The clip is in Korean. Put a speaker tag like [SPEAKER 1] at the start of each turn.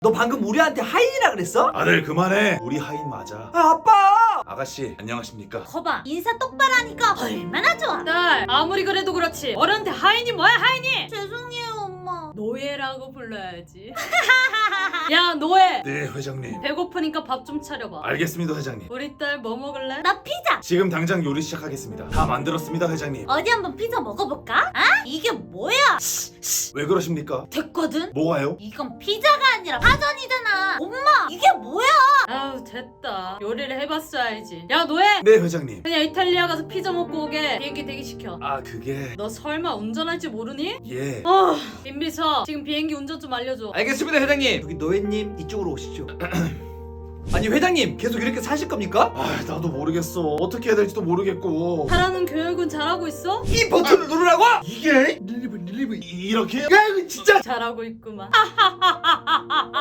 [SPEAKER 1] 너 방금 우리한테 하인이라 그랬어?
[SPEAKER 2] 아들 그만해. 우리 하인 맞아.
[SPEAKER 1] 아, 아빠!
[SPEAKER 2] 아가씨 안녕하십니까?
[SPEAKER 3] 거봐 인사 똑바로 하니까 얼마나 좋아.
[SPEAKER 4] 딸 아무리 그래도 그렇지 어른한테 하인이 뭐야 하인이.
[SPEAKER 3] 죄송해요 엄마.
[SPEAKER 4] 노예라고 불러야지. 야 노예,
[SPEAKER 2] 네 회장님.
[SPEAKER 4] 배고프니까 밥 좀 차려봐.
[SPEAKER 2] 알겠습니다 회장님.
[SPEAKER 4] 우리 딸 뭐 먹을래?
[SPEAKER 3] 나 피자.
[SPEAKER 2] 지금 당장 요리 시작하겠습니다. 다 만들었습니다 회장님.
[SPEAKER 3] 어디 한번 피자 먹어볼까? 아? 이게 뭐야?
[SPEAKER 2] 왜 그러십니까?
[SPEAKER 3] 됐거든?
[SPEAKER 2] 뭐가요?
[SPEAKER 3] 이건 피자가 아니라 파전이잖아. 엄마 이게 뭐야?
[SPEAKER 4] 아우 됐다. 요리를 해봤어야지. 야 노예,
[SPEAKER 2] 네 회장님.
[SPEAKER 4] 그냥 이탈리아 가서 피자 먹고 오게 비행기 대기시켜.
[SPEAKER 2] 아 그게
[SPEAKER 4] 너 설마 운전할 줄 모르니?
[SPEAKER 2] 예.
[SPEAKER 4] 김비서 지금 비행기 운전 좀 알려줘.
[SPEAKER 1] 알겠습니다, 회장님. 여기 노예님, 이쪽으로 오시죠. 아니, 회장님, 계속 이렇게 사실 겁니까?
[SPEAKER 2] 아 나도 모르겠어. 어떻게 해야 될지도 모르겠고.
[SPEAKER 4] 하라는 교육은 잘하고 있어?
[SPEAKER 1] 이 버튼을 누르라고?
[SPEAKER 2] 이게
[SPEAKER 1] 릴리브.
[SPEAKER 2] 이렇게?
[SPEAKER 1] 야, 이거 진짜.
[SPEAKER 4] 잘하고 있구만.